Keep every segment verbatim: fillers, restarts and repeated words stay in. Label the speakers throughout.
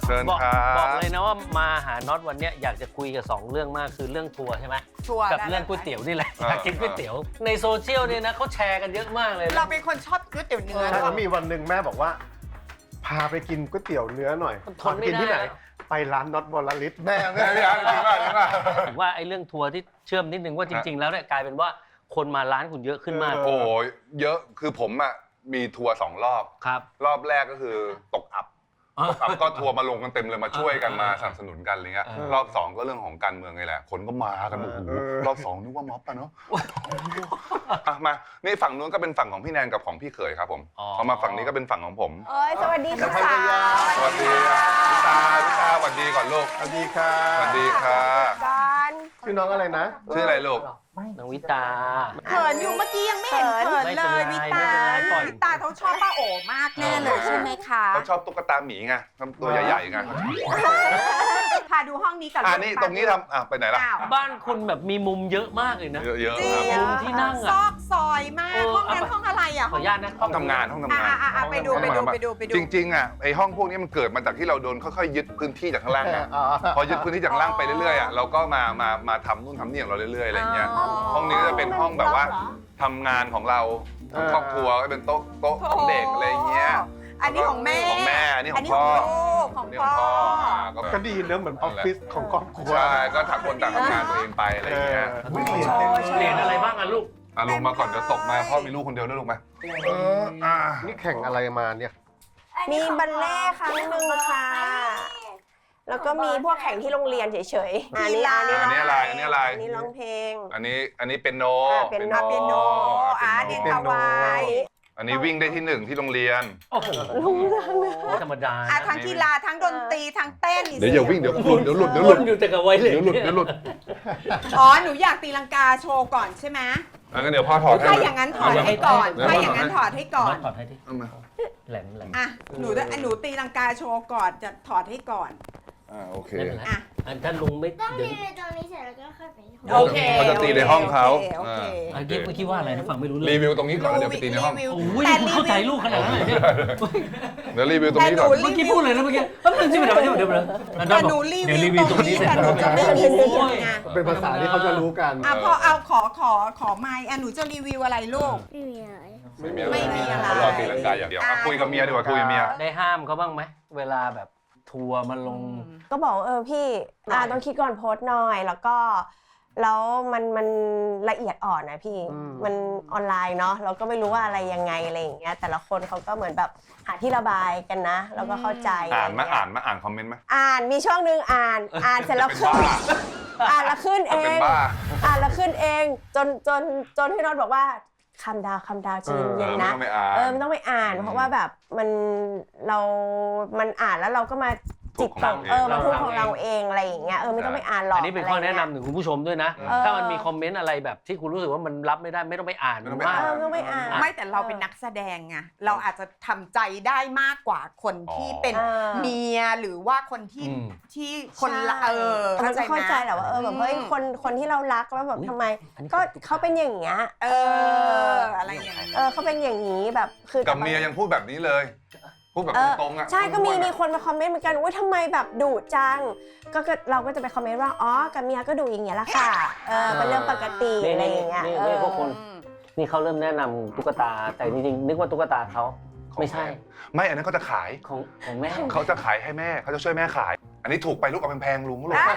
Speaker 1: เชิญครับ
Speaker 2: บอกเลยนะว่ามาหาน็อตวันนี้อยากจะคุยกับสองเรื่องมากคือเรื่องทัวร์ใช่ไหม
Speaker 3: ทัวร์
Speaker 2: กับเรื่องก๋วยเตี๋ยวนี่แหละอยากกินก๋วยเตี๋ยวในโซเชียลเนี่ยนะเขาแชร์กันเยอะมากเลย
Speaker 3: เราเป็นคนชอบก๋วยเตี๋ยวเนื้อ
Speaker 4: ใช่แล้วมีวันหนึ่งแม่บอกว่า พาไปกินก๋วยเตี๋ยวเนื้อหน่อย
Speaker 2: ทนไม่
Speaker 4: กินที่ไหน
Speaker 2: ได้
Speaker 4: ไปร้านน็อตบอลลิส
Speaker 1: แม่แม่พี่อาร์ตจริงป่ะจริงป่ะ
Speaker 2: ผมว่าไอ้เรื่องทัวร์ที่เชื่อมนิดนึงว่าจริง ๆ แล้วเนี่ยกลายเป็นว่าคนมาร้านคุณเยอะขึ้นมาก
Speaker 1: โอ้ยเยอะคือผมอ่ะมีทัวร์สองรอบ
Speaker 2: ครับ
Speaker 1: รอบแรกก็คือตกอับตกอับก็ทัวร์มาลงกันเต็มเลยมาช่วยกันมาสนับสนุนกันอะไรเงี้ย
Speaker 2: เออ
Speaker 1: รอบสองก็เรื่องของการเมืองไงแหละคนก็มากันโอ้โหรอบสองนึกว่าม็อบอะเนาะอ่ะมานี่ฝั่งนู้นก็เป็นฝั่งของพี่แนนกับของพี่เขยครับผมพอมาฝั่งนี้ก็เป็นฝั่งของผม
Speaker 5: เอ้ยสวัสดีค่ะ
Speaker 1: สวัสดีอ่ะพี่ตาพี่ตาสวัสดีก่อนลูก
Speaker 4: สวัสดีค่ะ
Speaker 1: สวัสดีค่ะ
Speaker 5: การ
Speaker 4: ชื่อน้องอะไรนะ
Speaker 1: ชื่ออะไรลูก
Speaker 2: น้องวิตา
Speaker 3: เขินอยู่เมื่อกี้ยังไม่เห็นเขินเลย
Speaker 2: ไม่
Speaker 3: วิ
Speaker 2: เป็น
Speaker 3: ตา
Speaker 2: ไรไม่เป็นไรปล่อย
Speaker 3: วิตาเขาชอบป้าโอมากแน่เลยใช่ไหมคะ
Speaker 1: เขาชอบตุ๊กตาหมีไงทำตัวใหญ่ๆไง
Speaker 3: พาดูห้องนี้ก่อน
Speaker 1: อ่านี่ตรงนี้ทำอ่ะไปไหนล่ะ
Speaker 3: อ้าว
Speaker 2: บ้านคุณแบบมีมุมเยอะมากเลยนะ
Speaker 1: เยอะ
Speaker 3: จริง
Speaker 1: ๆครับ
Speaker 2: มุมที่นั่ง
Speaker 3: ซ
Speaker 2: อ่ะ
Speaker 3: อกซอยมาก
Speaker 2: เออ
Speaker 3: ห้องนั้น
Speaker 2: เอาไป
Speaker 3: ห้องอะไรอ่ะ
Speaker 2: ขออนุญาตนะ
Speaker 1: ห้องทำงานห้องทำ
Speaker 3: อ่าง
Speaker 1: าน
Speaker 3: อ่าไปดูไปดูไปดูไปดู
Speaker 1: จริงๆอ่ะไอห้องพวกนี้มันเกิดมาจากที่เราโดนค่อยๆยึดพื้นที่จากข้างล่างไงพอยึดพื้นที่จากข้างล่างไปเรื่อยๆอ่ะเราก็มามามาทำนู่นทำนี่ของเราเรื่อยๆอะไรเงี้ยห้องนี้ก็จะเป็นห้องแบบว่าทำงานของเราทั้งครอบครัวก็เป็นโต๊ะโต๊ะของเด็กอะไรเงี้ย
Speaker 3: อันนี้ของแม่
Speaker 1: ของแม่อันนี้ของพ่อ
Speaker 3: ลูกของ
Speaker 1: นี่
Speaker 3: พ่
Speaker 1: ข
Speaker 3: อ
Speaker 1: องพ่ออ่าก็
Speaker 4: ก็ดีเนอะเหมือนออฟฟิศของครอบครัว
Speaker 1: ใช่ก็ต่างคนต่างทำงานตัวเองไปอะไรเงี้ย
Speaker 4: อุ๊ยเปลี่ยนเต็มเลย
Speaker 2: เรียนอะไรบ้างอ่ะลูก
Speaker 1: อ่ะลงมาก่อนเดี๋ยวตกมาพ่อมีลูกคนเดียวด้วยลูกไหมเอออ่ะ
Speaker 4: นี่แข่งอะไรมาเนี่ย
Speaker 5: มีบัลเล่ต์ครั้งหนึ่งค่ะ แล้วก็มีพวกแข่งที่โรงเรียนเฉยๆอันนี้อันนี้
Speaker 1: อันนี้อะไรอันนี้อะไร
Speaker 5: อันนี้ร้องเพลง
Speaker 1: อันนี้อันนี้เป็นโน
Speaker 5: อ่าเป็นโน
Speaker 3: เปียโนอ่าเด็ก
Speaker 4: เปีย
Speaker 3: ตะ
Speaker 4: โน
Speaker 3: วาย
Speaker 1: อันนี้วิ่งได้ที่หนึ่งที่โรงเรียน
Speaker 2: โอ้โห
Speaker 5: ลุงดังนะ
Speaker 2: ไม่ธรรมดา
Speaker 3: อ่ะ
Speaker 2: นะ
Speaker 3: ทั้งกีฬาทั้งดนตรีทั้งเต้น
Speaker 1: เดี๋ยวอย่าวิ่งเดี๋ยวหลุดเดี๋ยวหลุดเดี๋ยวหลุด
Speaker 2: วนอยู่แต่กับไวเลย
Speaker 1: เดี๋ยวหลุดเดี๋ยวหลุด
Speaker 3: อ๋อหนูอยากตีลังกาโชว์ก่อนใช่ไหม
Speaker 1: อ่ะงั้นเดี๋ยวพ่อถอดให้
Speaker 3: ถ้าอย่างนั้นถอดให้ก่อน
Speaker 1: เดี๋ยว
Speaker 3: ถ้า
Speaker 1: พ่อ
Speaker 3: อย่างนั้นถอดให้ก่อน
Speaker 2: ถอดให้ดิ
Speaker 1: เอามา
Speaker 2: แหลมแหลม
Speaker 3: อ่ะหนูหนูตีลังกาโชว์ก่อนจะถอดให้ก่อน
Speaker 1: อ่าโอเค
Speaker 2: ไม่เป็นไร
Speaker 3: อ่ะ
Speaker 2: อันถ้าลุงไม่
Speaker 6: ต้อง
Speaker 2: เดี๋ยว
Speaker 6: ยืนในตรงนี้เสร็จแล้วก็ค่อยไปที่ห้อง
Speaker 3: โอเค
Speaker 1: เขาจะตีในห้องเขา
Speaker 3: โอเค
Speaker 2: เมื่อกี้เมื่อกี้ว่าอะไรนะฟังไม่รู้เรื่
Speaker 1: รี
Speaker 2: อง
Speaker 1: วิวตรงนี้ก่อนแล้วเดี๋ยวไปตีในห้อง
Speaker 2: โอ้ยคุณเข้าใจลูกขนาดนั้นเลยเนี่ย
Speaker 1: เดี๋ยวรีวิวตรงนี้ก่อน
Speaker 2: เมื่อกี้พูดเลยนะเมื่อกี้เอ้ยมันใช่ไหมเดี๋ยวเดี๋ยวเดี๋ยวเดี๋ยว
Speaker 3: แต่หนูรี
Speaker 2: เดี๋ยวรี
Speaker 3: วิ
Speaker 2: วิ
Speaker 3: ว
Speaker 2: ว
Speaker 3: ต
Speaker 2: ต
Speaker 3: ร
Speaker 2: รง ง
Speaker 3: นี้
Speaker 2: นี้เสร็จ
Speaker 3: แต่หนูจะไม่มีเสียงไง
Speaker 4: เป็นภาษาที่เขาจะรู้กัน
Speaker 3: อ่ะพอเอาขอขอขอไมค์อ่ะหนูจะรีวิวอะไรลูก
Speaker 6: ไม่มีอะไร
Speaker 1: ไม่มีอะไร
Speaker 3: ไม่มีอะไร
Speaker 1: เขารอตีลังกาอย่างเดียวอ่ะคุยกับเมียดีกว่าคุยกับเมีย
Speaker 2: ได้ห้ามเขาบ้างไหมเวลาแบบทัวร์มาลง
Speaker 5: ก็บอกเออพี่อ่าต้องคิดก่อนโพสต์หน่อย แล้วก็แล้วมันมันละเอียดอ่อนนะพี่
Speaker 4: อืม
Speaker 5: มันออนไลน์เนาะเราก็ไม่รู้ว่าอะไรยังไงอะไรอย่างเงี้ยแต่ละคนเขาก็เหมือนแบบหาที่ระบายกันนะแล้วก็เข้าใจ
Speaker 1: อ่านมา
Speaker 5: ะไร
Speaker 1: อ่า
Speaker 5: เงี้ย
Speaker 1: นมาอ่านคอมเมนต์ไหม
Speaker 5: อ่านมีช่วงหนึงอ่านอ่านเสร็จแล้ว
Speaker 1: เป็น
Speaker 5: ขึ้น
Speaker 1: บ้า
Speaker 5: อ่านแล้วขึ้นเอ
Speaker 1: เป็น
Speaker 5: ง
Speaker 1: บ้า
Speaker 5: อ่านแล้วขึ้นเองจนจนจนพี่น็อตบอกว่าคำดาวคำดาวใจ
Speaker 1: เอ
Speaker 5: เย็น
Speaker 1: อ
Speaker 5: ๆ
Speaker 1: ไม่
Speaker 5: นะ
Speaker 1: ต้องไปอ่าน
Speaker 5: เออมันต้องไปอ่าน เพราะว่าแบบมันเรามันอ่านแล้วเราก็มาจิตตกเออมาพูดของเราเองอะไรอย่างเงี้ยเออไม่ต้องไปอ่านหรอก
Speaker 2: อันนี้เป็นข้อแนะนำถึงคุณผู้ชมด้วยนะ
Speaker 5: เออ
Speaker 2: ถ้ามันมีคอมเมนต์อะไรแบบที่คุณรู้สึกว่ามันรับไม่ได้ไม่ต้องไปอ่าน
Speaker 1: ไม่ต้องไป
Speaker 2: มาก
Speaker 5: เออไม่ต้องไปอ่าน
Speaker 3: ไม่แต่เราเป็นนักแสดงไงเราอาจจะทำใจได้มากกว่าคนที่เป็น
Speaker 5: เออ
Speaker 3: เมียหรือว่าคนที่
Speaker 2: อืม
Speaker 3: ที่คนละ
Speaker 5: ใช่
Speaker 3: เออ
Speaker 5: มันจะเข้าใจ
Speaker 3: ไหม
Speaker 5: แหละว่าเออแบบเฮ้ยคนคนที่เรารักแล้วแบบทำไม
Speaker 2: อันนี้
Speaker 5: ก็เขาเป็นอย่างเงี้ย
Speaker 3: เอออะไรอย่างเงี้ย
Speaker 5: เออเขาเป็นอย่างนี้แบบคือ
Speaker 1: กับเมียยังพูดแบบนี้เลย พูดแบบ
Speaker 5: เออ
Speaker 1: ตรงๆอ่ะ
Speaker 5: ใช่ก็มีมีคนมาคอมเมนต์เหมือนกันว่าทำไมแบบดุจังก็ก็เราก็จะไปคอมเมนต์ว่าอ๋อกับเมียก็ดุอย่างเงี้ยแหละค่ะเออเป็นเรื่องปกติ
Speaker 2: นี่
Speaker 5: อะไร
Speaker 2: นี่
Speaker 5: อย่างเงี้ย
Speaker 2: นี่
Speaker 5: เอ
Speaker 2: นี่
Speaker 5: อ
Speaker 2: พวกคนนี่เขาเริ่มแนะนำตุ๊กตาแต่จริงๆนึกว่าตุ๊กตาเขาไม่ใช่
Speaker 1: ไม่อันนั้นเขาจะขาย
Speaker 2: ของของแม่
Speaker 1: เขาจะขายให้แม่เขาจะช่วยแม่ขาย อันนี้ถูกไปลูกเอาแพงๆลุงลูก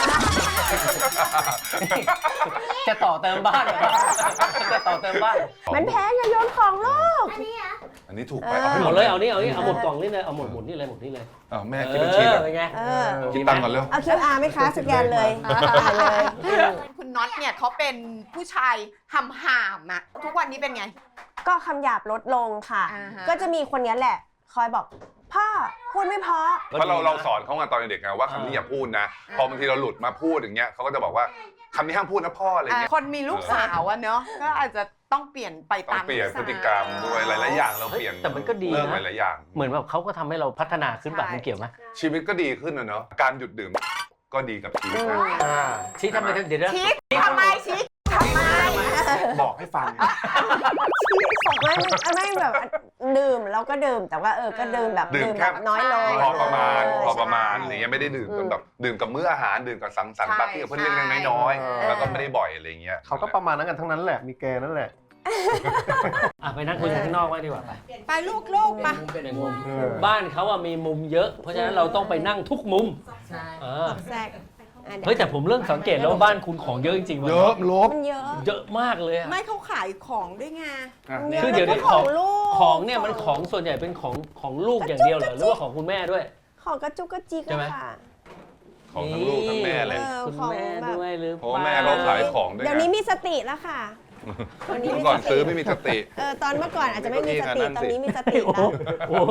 Speaker 2: จะต่อเติมบ้านเหรอจะต่อเติมบ้าน
Speaker 5: มันแพงอะโยนของลูก
Speaker 6: อันนี้อ่ะ
Speaker 1: อันนี้ถูกไป
Speaker 5: เออ
Speaker 1: เอาให้หม
Speaker 2: เอา
Speaker 1: ด
Speaker 2: เลยเอานี่เอานี่เอาหมดกล่องนี่เลยเอาหมดหมดนี่เลยหมดนี่เลย
Speaker 1: เอาแม่
Speaker 2: เอ
Speaker 1: คิดเป็นชิ้น
Speaker 2: อ
Speaker 1: อะ
Speaker 2: เป็นไง
Speaker 5: เออ
Speaker 1: คิดตังค์ก่อนเร็ว
Speaker 5: เอา คิว อาร์ ไหมคะสแกนเลยจ่ายเลย
Speaker 3: คุณน็อตเนี่ยเขาเป็นผู้ชายหำหามอะทุกวันนี้เป็นไง
Speaker 5: ก็คำหยาบลดลงค่ะ
Speaker 3: อ่าฮะ
Speaker 5: ก็จะมีคนเนี้ยแหละ คอยบอกพ่อพูดไม่เพราะ
Speaker 1: เพราะเราเราสอนเขาไงตอนเด็กไงว่าคำนี้อย่าพูดนะ พอบางทีเราหลุดมาพูดอย่างเงี้ยเขาก็จะบอกว่าคำนี้ห้ามพูดนะพ่ออะไรเงี้ย
Speaker 3: คนมีลูกสาวอะเนาะก็อาจจะต้องเปลี่ยนไป
Speaker 1: ต้อ
Speaker 3: ตาง ม
Speaker 1: เปลี่ยน
Speaker 3: ลู
Speaker 1: พฤ
Speaker 3: สาว
Speaker 1: ติกรรมด้วยหลายๆอย่างเราเปลี่ยน
Speaker 2: แต่มันก็ดีนะ
Speaker 1: เริ่มหลายๆอย่าง
Speaker 2: เหมือนแบบเขาก็ทำให้เราพัฒนาขึ้นแบบ
Speaker 3: ใช่
Speaker 2: มันเกี่ยวไหม
Speaker 1: ชีวิตก็ดีขึ้นนะเนาะการหยุดดื่มก็ดีกับชีวิตนะ
Speaker 4: อ่า
Speaker 2: ชี้ทำไมเดี๋ยวนะ
Speaker 3: ชี้ทำไมชี้ทำไม
Speaker 1: บอกให้ฟัง
Speaker 5: ไม่ไม่แบบดื่มเราก็ดื่มแต่ว่าเออก็ดื่มแบบ
Speaker 1: ดื่ม
Speaker 5: ดื่ม
Speaker 1: แค่
Speaker 5: แบบน้อยลง
Speaker 1: พอประมาณ
Speaker 5: เ
Speaker 1: พอประมาณ
Speaker 5: ใช่
Speaker 1: อะไรเงี้ยไม่ได้ดื่ม
Speaker 5: อืม
Speaker 1: จนแบบดื่มกับมื้ออาหารดื่มกับสังสรรค์ปาร์ตี้กับเพื่อนเล็กๆน้อยๆแล้วก็ไม่ได้บ่อยอะไรเงี้ย
Speaker 4: เขาก็ประมาณนั้นกันทั้งนั้นแหละมีแกนั่นแหละ
Speaker 2: อ่ะไปนั่งคุยกันข้างนอกไว้ดีกว่าไป
Speaker 3: ไปลูกลูกๆไป
Speaker 2: เป็นมุม
Speaker 4: เออ
Speaker 2: บ้านเขาอะมีมุมเยอะ เพราะฉะนั้นเราต้องไปนั่งทุกมุมเออ
Speaker 5: แทรกอ่ะดี๋ว
Speaker 2: เฮ้ยแต่ผมเริ่มสังเกตแล้วว่าบ้านคุณของเยอะจริงๆวัน
Speaker 1: เย
Speaker 2: นี้
Speaker 1: อะลบ
Speaker 5: มันเยอะ
Speaker 2: เยอะมากเลยอะ
Speaker 3: ไม่เขาขายของด้วยไง
Speaker 2: คือเดี๋ยวนี้
Speaker 5: ข
Speaker 2: ข
Speaker 5: อ
Speaker 2: อง ง
Speaker 5: ลูก
Speaker 2: ของเนี่ยมันของส่วนใหญ่เป็นของของลูกอย่างเดียวเหรอหรือว่าของคุณแม่ด้วย
Speaker 5: ของกระจุกกระจิก
Speaker 2: ใช่ไหม
Speaker 5: อะค่ะ
Speaker 1: ของทั้งลูกทั้งแม่เลย
Speaker 5: เออ
Speaker 2: คุณ
Speaker 5: ของ
Speaker 2: แม่
Speaker 5: แบบ
Speaker 2: ด้วยหรือ
Speaker 1: เพราะว่าแม่เขาขายของด้วย
Speaker 5: เดี๋ยว
Speaker 1: ไง
Speaker 5: นี้มีสติแล้วค่ะ วันนี้
Speaker 1: เมื่
Speaker 5: มี
Speaker 1: อก่อน
Speaker 5: สติ
Speaker 1: ซื้อไม่มีสติ
Speaker 5: เออตอนเมื่อก่อนอาจจะไม่มีสติ
Speaker 1: นั่น
Speaker 5: ตอ
Speaker 1: สิ
Speaker 5: นนี้มีสติ
Speaker 2: โอ้โห
Speaker 5: แล้ว
Speaker 2: โอ้โห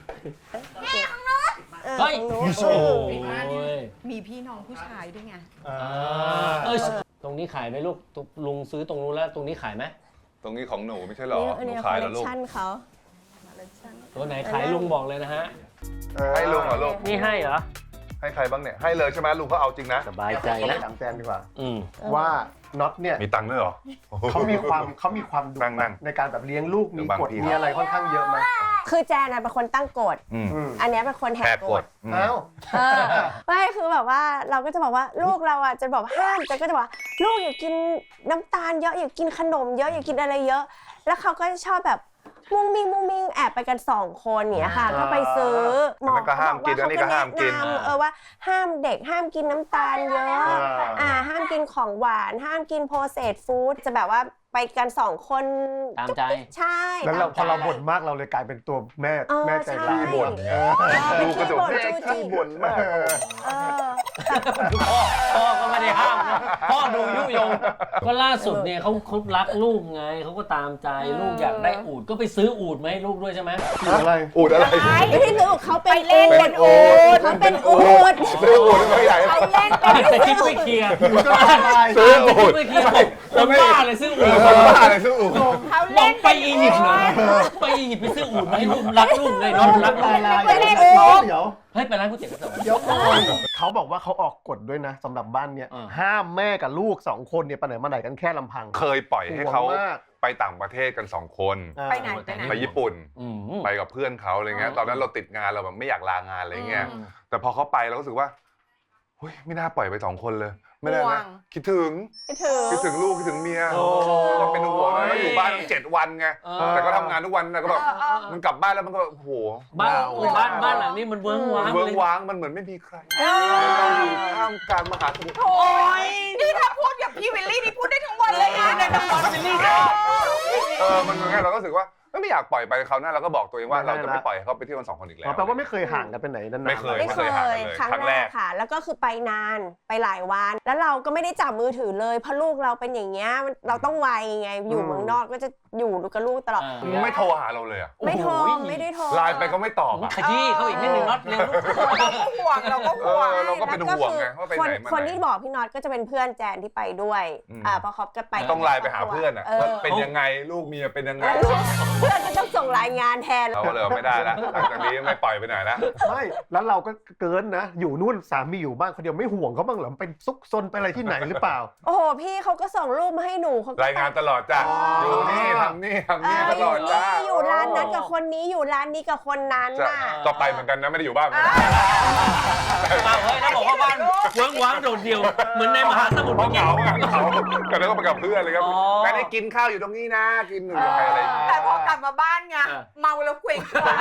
Speaker 5: เออ
Speaker 2: เฮ้ย
Speaker 5: ของหนู
Speaker 2: โอ้โห
Speaker 3: มีพี่น้องผู้ชายด้วยไง
Speaker 2: อ่าเอ้ยตรงนี้ขายไหมลูกตุ๊กลุงซื้อตรงนู้นแล้วตรงนี้ขายไหม
Speaker 1: ตรงนี้ของหนูไม่ใช่หรอ
Speaker 5: นี่
Speaker 1: ห
Speaker 5: อัน
Speaker 1: นู
Speaker 5: นี้คอ
Speaker 1: ขาย
Speaker 5: ลเล
Speaker 1: แล้ว
Speaker 5: ค
Speaker 1: ลูก
Speaker 5: ชันเขา
Speaker 2: ตัวไหนขายลุงบอกเลยนะฮะ
Speaker 1: ให้ลุงเหรอลูก
Speaker 2: นี่ให้เหรอ
Speaker 1: ให้ใครบ้างเนี่ยให้เลยใช่ไหมลุงก็เอาจริงนะ
Speaker 2: สบายใจ
Speaker 4: เขา
Speaker 2: นะ
Speaker 4: ถามแจนดีกว่า
Speaker 2: อืม
Speaker 4: ว่าน็อตเนี่ย
Speaker 1: มีตังค์ด้วยเหรอ
Speaker 4: เขามีความเขามีความดุ
Speaker 1: นั่งๆ
Speaker 4: ในการแบบเลี้ยงลูกมี
Speaker 1: บาง
Speaker 4: กฎ
Speaker 1: ที
Speaker 4: มีอะไรค่อนข้างเยอะไหม
Speaker 5: คือแจนน่ะเป็นคนตั้งกฎ
Speaker 1: อืม
Speaker 4: อืม
Speaker 5: อันเนี้ยเป็นคนแห
Speaker 1: แห
Speaker 5: ก
Speaker 1: ก
Speaker 5: ก
Speaker 1: ก
Speaker 5: ฎ
Speaker 1: ฎอืม
Speaker 4: เอ้า
Speaker 5: เออไม่คือแบบว่าเราก็จะบอกว่าลูกเราอ่ะจะบอกห้ามแจนก็จะบอกลูกอย่ากินน้ำตาลเยอะอย่ากินขนมเยอะอย่ากินอะไรเยอะ แล้วเขาก็จะชอบแบบมุ้งมิงมุ้งมิงแอบไปกันสองคนเนี้ยค่ะ
Speaker 4: อ่า
Speaker 5: ก็ไปซื้อ
Speaker 1: อันนั้นก็ห้ามกินอันนี้ก็ห้ามกิน
Speaker 5: เขแะำเออว่าห้ามเด็กห้ามกินน้ำตาลเยอะ
Speaker 4: อ่า
Speaker 5: อ่าห้ามกินของหวานห้ามกินโปรเซสฟู้ดจะแบบว่าไปกันสองคน
Speaker 2: ตามใจ
Speaker 5: ใช่
Speaker 4: แล้วเราพ
Speaker 5: ตา
Speaker 4: อ
Speaker 5: มใจ
Speaker 4: เราบ่นมากเราเลยกลายเป็นตัวแม่
Speaker 5: เออ
Speaker 4: แม่ใจร้าย
Speaker 5: ใช่
Speaker 1: บ่นไง ลูกก็จะ
Speaker 5: บ่น
Speaker 1: แม่
Speaker 5: จู้จี้
Speaker 1: ขี้บ่นมาก
Speaker 4: เออ
Speaker 5: เออแบบ
Speaker 2: พ่อพ่อก็ไม่ได้ห้ามนะพ่อดูยุยง ก็ล่าสุดเนี่ยเขาเขารักลูกไงเขาก็ตามใจลูกอยากได้อูฐก็ไปซื้ออูฐมาให้ลูกด้วยใช่ไหม
Speaker 4: อะไร
Speaker 1: อูดอะไร
Speaker 5: ไม่ได้รู้เขาไป
Speaker 3: เล่น
Speaker 5: เป็นอูดเขาเป็นอูด
Speaker 1: ซื้ออูดไม่ใหญ่
Speaker 3: เขาเล่น
Speaker 2: แต่คิดไม่เคลียร์
Speaker 4: ก็อะไร
Speaker 1: ซื้ออูด
Speaker 2: ไม่เคลียร์ผมผมบ้าเลยซื้ออูฐ
Speaker 1: คนบ้าอะไรซื้ออูด
Speaker 3: เขา
Speaker 2: บอ
Speaker 3: เล่
Speaker 2: ก
Speaker 3: น
Speaker 2: ไปอียิปต์เหรอไปอียิปต์ไปซื้ออูฐมาให้ลูกรักลูกเลยน้องรักลูก
Speaker 5: ไม่ได้
Speaker 4: เดี๋
Speaker 5: อู
Speaker 4: ยว
Speaker 5: ด
Speaker 4: เดี๋ยว
Speaker 2: เฮ้ยไปร้านก๋วยเตี๋ยวกันเถอะ
Speaker 4: เดี๋ยวก่อนเขาบอกว่าเขาออกกฎด้วยนะสำหรับบ้านเนี้ย
Speaker 2: อ่า
Speaker 4: ห้ามแม่กับลูกสองคนเนี่ยไปไหนมาไหนกันแค่ลำพัง
Speaker 1: เคยปล่อยให้เขา
Speaker 4: ห่วงมาก
Speaker 1: ไปต่างประเทศกันสองคน
Speaker 4: อ่า
Speaker 3: ไปไหนไปไหน
Speaker 1: ไปญี่ปุ่น
Speaker 2: อืม
Speaker 1: ไปกับเพื่อนเขาอะไรเงี้ย
Speaker 3: อ๋อ
Speaker 1: ตอนนั้นเราติดงานเราแบบไม่อยากลางานอะไรเงี้ย
Speaker 3: อืม
Speaker 1: แต่พอเขาไปเราก็รู้สึกว่าเฮ้ยไม่น่าปล่อยไปสองคนเลย ไม่ได้
Speaker 3: ห่ว
Speaker 1: นะ
Speaker 3: ง
Speaker 1: คิดถึง
Speaker 5: ไม่ถือ
Speaker 1: คิดถึงลูกคิดถึงเมีย
Speaker 2: โอ้
Speaker 1: ก็เป็นห่วงนะแล้วอยู่บ้านตั้งเจ็ดวันไง
Speaker 2: เออ
Speaker 1: แต่ก็ทำงานทุกวันนะก็แบบ
Speaker 3: เออเออ
Speaker 1: มันกลับบ้านแล้วมันก็โอ้โห
Speaker 2: บ้านโอ้บ้านบ้านหลังนี้มันเวิ้งว้าง
Speaker 1: เวิ้ง
Speaker 2: เลย
Speaker 1: ว้างมันเหมือนไม่มีใครเราอยู่ท่ามกลางมหาสมุทร
Speaker 3: โอ้ยนี่ถ้าพูดกับพี่วิลลี่นี่พูดได้ทั้งวันเลยนะในละครวิลลี่
Speaker 1: เออมันเหมือนไงเราก็รู้สึกว่าไม่อยากปล่อยไปเขาวหน้าเราก็บอกตัวเองว่า
Speaker 4: ไม่ได้
Speaker 1: เราจะไม่ปล่อยให้เขาไปเที่ยวกันสองคนอีกแล้
Speaker 4: อ๋อ
Speaker 1: ว
Speaker 4: แปลว่าไม่เคยห่างกันไปไหนนานๆ
Speaker 1: ไม่เคย
Speaker 5: ไม่เคย
Speaker 1: ห่างกันเลย
Speaker 5: ครั้ง
Speaker 1: ครั้ง
Speaker 5: แร
Speaker 1: แร
Speaker 5: ก
Speaker 1: ก
Speaker 5: ค่ะ แล้วก็คือไปนานไปหลายวัน แล้วเราก็ไม่ได้จับมือถือเลยเพราะลูกเราเป็นอย่างเงี้ยมันเราต้องไวไงอยู่
Speaker 4: อืม
Speaker 5: เมืองนอกก็จะอยู่กับลูกตลอด
Speaker 2: อ่า
Speaker 1: มึงไม่โทรหาเราเลยอะ
Speaker 5: ไม่โทร
Speaker 2: โอ้โห
Speaker 5: ไม่ได้โทร
Speaker 1: ไลน์ไปก็ไม่ตอบอะ
Speaker 2: ขยี้เขาอีกนิดนึงน็อตเร็วลูก
Speaker 3: เราก็ห่วงเราก็
Speaker 1: เอ
Speaker 3: ห่วง
Speaker 1: อเราก็เป็นห่วงไงว่าไป
Speaker 5: คน
Speaker 1: ไหนมา
Speaker 5: คน
Speaker 1: ไหน
Speaker 5: ที่บอกพี่น็อตก็จะเป็นเพื่อนแจนที่ไปด้วย
Speaker 1: อืม
Speaker 5: อ่าเพราะเขาก็ไป
Speaker 1: ต้องไลน์ไปหาเพื่อนอะ
Speaker 5: เอ
Speaker 1: ว่า
Speaker 5: อ
Speaker 1: เป็นยังไงลูกเมียเป็นยังไง
Speaker 5: เพื่อนก็ต้องส่งรายงานแทน
Speaker 1: เราก็เลยไม่ได้แล้วหลังจากนี้ไม่ปล่อยไปไหนแล้ว
Speaker 4: ไม่แล้วเราก็เกินนะ อยู่นู่นสามีอยู่บ้านคนเดียวไม่ห่วงเขาบ้างเหรอเป็นซุกซนไปอะไรที่ไหนหรือเปล่า
Speaker 5: โอ้โหพี่เขาก็ส่งรูปมาให้หนูเขาก็
Speaker 1: รายงานตลอดจ้ะ
Speaker 4: อ๋อ
Speaker 1: อ
Speaker 4: อ
Speaker 1: ยู่นี่ทำนี่ทำ
Speaker 5: เอ
Speaker 1: นี่
Speaker 5: อ
Speaker 1: ตลอดจ้า
Speaker 5: อยู่ร้านนั้นกับคนนี้อยู่ร้านนี้กับคนนั้น
Speaker 1: จะ
Speaker 5: น่ะ
Speaker 1: ก็ไปเหมือนกันนะไม่ได้อยู่บ้านเหมือนกัน
Speaker 2: เอาเฮ้ยแล้วบอกว่าบ้านเวิ้งว้างโดดเดี่ยวเหมือนในมหาสมุทร
Speaker 1: เพราะ
Speaker 2: เมื่อ
Speaker 1: เห
Speaker 2: กี้
Speaker 1: งาอะเหงาก็เลยต้องไปกับเพื่อนเลยครับ
Speaker 2: อ๋อ
Speaker 1: งั้นให้กินข้าวอยู่ตรงนี้นะกินหนึ่งกับใครอะไรอย่างเงี้ย
Speaker 3: แต่พอกลับมาบ้านไง
Speaker 2: เออ
Speaker 3: เมาแล้วเคว้งคว้าง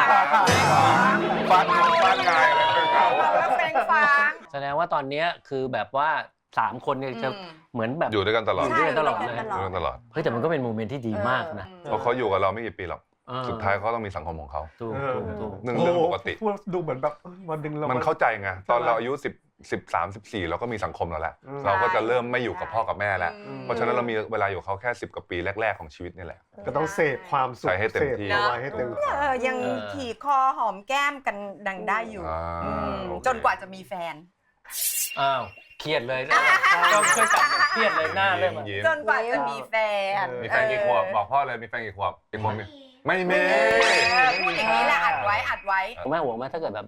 Speaker 1: ฟาดงงฟาดงายอะไรเหงา
Speaker 3: เมาแล้วเคว้งคว้าง
Speaker 2: แสดงว่าตอนเนี้ยคือแบบว่าสามคนเนี่ยจะ
Speaker 3: อืม
Speaker 2: เหมือนแบบ
Speaker 1: อยู่ด้วยกันตลอด
Speaker 2: อยู่ด้วยกันตลอดเลย
Speaker 5: ใช่
Speaker 1: อยู่ด้วยกันตลอด
Speaker 2: เฮ้ยแต่มันก็เป็นโมเมนต์ที่ดีมากนะ
Speaker 1: เพราะเขาอยู่กับเราไม่กี่ปีหรอก
Speaker 2: เออ
Speaker 1: สุดท้ายเขาต้องมีสังคมของเขา
Speaker 2: ถูก
Speaker 4: เออ
Speaker 2: ถูกถูก
Speaker 1: หนึ่งเรื่องปกติ
Speaker 4: พูดดูเหมือนแบบเอ้ยวันหนึ่งเรา
Speaker 1: มัน
Speaker 4: มั
Speaker 1: เข้าใจไงตอนเราอายุสิบสิบสามสิบสี่เราก็มีสังคมแล้วแหละ
Speaker 4: อืม
Speaker 1: เราก็จะเริ่มไม่อยู่กับพ่อกับแม่แล้ว
Speaker 3: อืม
Speaker 1: เพราะฉะนั้นเรามีเวลาอยู่กับเขาแค่สิบกว่าปีแรกๆของชีวิตนี่แหละ
Speaker 4: ก็ต้องเสพความสุข
Speaker 1: ใส่ให้เต็มที่
Speaker 4: สพเอาไว้ให้เต็มที่
Speaker 3: เออยังขี่คอหอมแก้มกันดังได้อยู่
Speaker 1: อ่า
Speaker 3: อืม
Speaker 1: โอเค
Speaker 3: จนกว่าจะมีแฟน
Speaker 2: อ้าวเครียดเลยนะต้องช่วยจับเครียดเลยหน้าเริ่มอะ
Speaker 1: ยิ้ม
Speaker 3: จนกว่าจะมีแฟน
Speaker 1: มีแฟนกี่ขวบบอกพ่อเลยมีแฟนกี่ขวบกี่คนมีไม่มี
Speaker 3: เออพูดอย่างนี้แหละอัดไว้อัดไว้
Speaker 2: แม่ห่วงไหมถ้าเกิดแบบ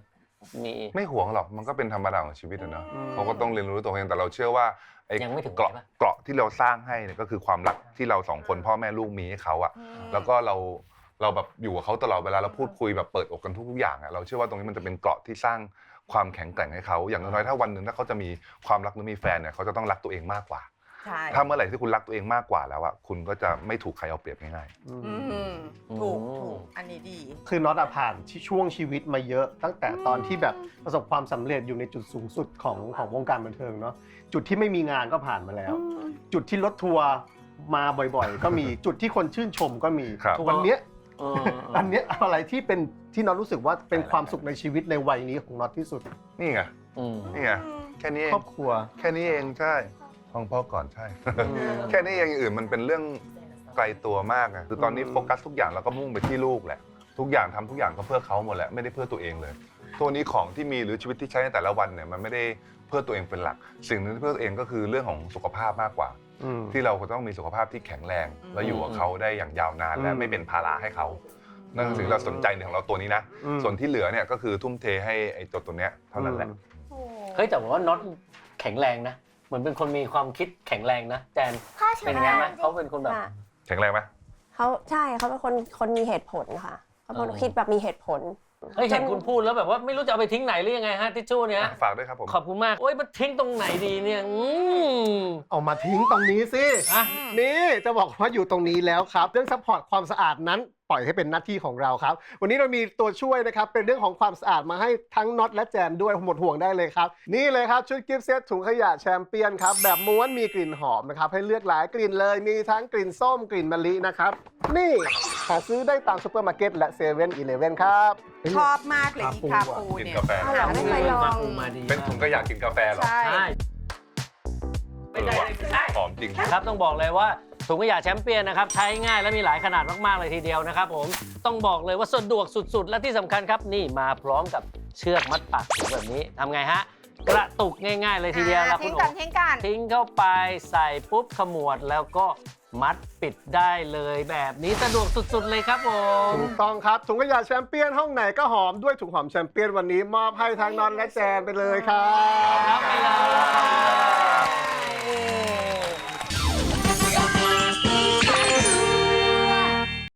Speaker 2: มี
Speaker 1: ไม่ห่วงหรอกมันก็เป็นธรรมดาของชีวิตอะเนาะ
Speaker 4: อืม
Speaker 1: เขาก็ต้องเรียนรู้ตัวเองแต่เราเชื่อว่าไอ้
Speaker 2: ยังไม่ถึง
Speaker 1: เกราะ
Speaker 2: ไหนปะ
Speaker 1: เกราะที่เราสร้างให้เนี่ยก็คือความรักที่เราสองคนพ่อแม่ลูกมีให้เขาอะแล้วก็เราเราแบบอยู่กับเขาตลอดเวลาเราพูดคุยแบบเปิดอกกันทุกๆอย่างอะเราเชื่อว่าตรงนี้มันจะเป็นเกราะที่สร้างความแข็งแกร่งให้เขาอย่างน้อยๆถ้าวันหนึ่งถ้าเขาจะมีความรักหรือมีแฟนเนี่ยเขาจะต้องรักตัวเองมากกว่า
Speaker 3: ใช่
Speaker 1: ถ้าเมื่อไหร่ที่คุณรักตัวเองมากกว่าแล้วอะคุณก็จะไม่ถูกใครเอาเปรียบง่าย
Speaker 4: อื
Speaker 3: อื
Speaker 4: ม
Speaker 3: มถูกถูกอันนี้ดี
Speaker 4: คือน็อตอะผ่านที่ช่วงชีวิตมาเยอะตั้งแต่ตอนที่แบบประสบความสำเร็จอยู่ในจุดสูงสุดของของวงการบันเทิงเนาะจุดที่ไม่มีงานก็ผ่านมาแล้ว จุดที่รถทัวร์มาบ่อยๆ ก็มีจุดที่คนชื่นชมก็มี
Speaker 1: ครับ
Speaker 4: วันเนี้ย
Speaker 2: เออ
Speaker 4: อันเนี้ยอะไรที่เป็นที่น็อตรู้สึกว่าเป็นความสุขในชีวิตในวัยนี้ของน็อตที่สุด
Speaker 1: ๆนี่ไง
Speaker 2: อืม
Speaker 1: นี่ไงแค่นี้เอ
Speaker 4: ครง อบครัว
Speaker 1: แค่นี้เองใช่ห้องพ่อก่อนใช่ แค่นี้เองอย่างอื่นมันเป็นเรื่องไกลตัวมากอะคือตอนนี้
Speaker 4: อืม
Speaker 1: โฟกัสทุกอย่างเราก็มุ่งไปที่ลูกแหละทุกอย่างทำทุกอย่างก็เพื่อเขาหมดแหละไม่ได้เพื่อตัวเองเลย ตัวนี้ของที่มีหรือชีวิตที่ใช้ในแต่ละวันเนี่ยมันไม่ได้เพื่อตัวเองเป็นหลัก สิ่งหนึงที่เพื่อตัวเองก็คือเรื่องของสุขภาพมากกว่า
Speaker 4: อืม
Speaker 1: ที่เราก็ต้องมีสุขภาพที่แข็งแรง
Speaker 3: อืม
Speaker 1: และอยู่กับเขาได้อย่างยาวนานและ
Speaker 4: อืม
Speaker 1: ไม่เป็นภาระให้เขานั่นคือสิ่งที่เราสนใจในของเราตัวนี้นะ
Speaker 4: อืม
Speaker 1: ส่วนที่เหลือเนี่ยก็คือทุ่มเทให้ไอ้ตัวตัวเนี้ยเท่านั้นแหละ
Speaker 2: เฮ้ยแต่ว่าน็อตแข็งแรงนะเหมือนเป็นคนมีความคิดแข็งแรงนะแจน
Speaker 6: พ่อช
Speaker 2: เป็น
Speaker 6: นะ
Speaker 2: อย่างนั้นไหมเขาเป็นคนแบบ
Speaker 5: ค่ะ
Speaker 1: แข็งแรงไหม
Speaker 5: เขาใช่เขาเป็นคนคนมีเหตุผลค่ะเขาเป็นคน
Speaker 2: เออ
Speaker 5: คิดแบบมีเหตุผล
Speaker 2: เฮ้ยเห็น
Speaker 5: จ
Speaker 2: คุณพูดแล้วแบบว่าไม่รู้จะเอาไปทิ้งไหนหรือยังไงฮะทิชชู่เนี้ย
Speaker 1: ฝากด้วยครับผม
Speaker 2: ขอบคุณมากโอ้ยมันทิ้งตรงไหนดีเนี่ยอืม
Speaker 4: เอามาทิ้งตรงนี้สิ
Speaker 2: อ่ะ
Speaker 4: นี่จะบอกว่าอยู่ตรงนี้แล้วครับ เรื่องซัพพอร์ตความสะอาดนั้นปล่อยให้เป็นหน้าที่ของเราครับ วันนี้เรามีตัวช่วยนะครับ เป็นเรื่องของความสะอาดมาให้ทั้งน็อตและแจนด้วยหมดห่วงได้เลยครับ นี่เลยครับชุดกิฟต์เซตถุงขยะแชมเปี้ยนครับแบบม้วนมีกลิ่นหอมนะครับให้เลือกหลายกลิ่นเลยมีทั้งกลิ่นส้มกลิ่นมะลินะครับนี่หาซื้อได้ตามซูเปอร์มาร์เก็ตและเซเว่นอีเลฟเว่นครับ
Speaker 3: ชอบมากเลยอีคาปู
Speaker 1: กิน
Speaker 3: เนี่ย
Speaker 1: กาแฟ
Speaker 5: เอาเหรอไม่เคยลอง
Speaker 2: มาปูมาดี
Speaker 1: เป็นถุงก็อยากกินกาแฟเหรอ
Speaker 3: ใช่
Speaker 2: ใช่ไม่ได้ไม่ใช่
Speaker 1: หอมจริง
Speaker 2: ครับต้องบอกเลยว่าถุงขยะแชมเปี้ยนนะครับใช้ง่ายและมีหลายขนาดมากๆเลยทีเดียวนะครับผมต้องบอกเลยว่าสะดวกสุดๆ และที่สำคัญครับนี่มาพร้อมกับเชือกมัดปากถุงแบบนี้ทำไงฮะกระตุกง่ายๆเลยทีเดียวแล้วคุ
Speaker 3: ทิ้
Speaker 2: ณ
Speaker 3: ง
Speaker 2: โอ๋
Speaker 3: กันทิ้งกัน
Speaker 2: ทิ้งเข้าไปใส่ปุ๊บขมวดแล้วก็มัดปิดได้เลยแบบนี้สะดวกสุดๆเลยครับผม
Speaker 4: ถูกต้องครับถุงขยะแชมเปี้ยนห้องไหนก็หอมด้วยถุงหอมแชมเปี้ยนวันนี้มอบให้ทั้งน็อตและแจนไปเลยครับ
Speaker 2: รับไปเลย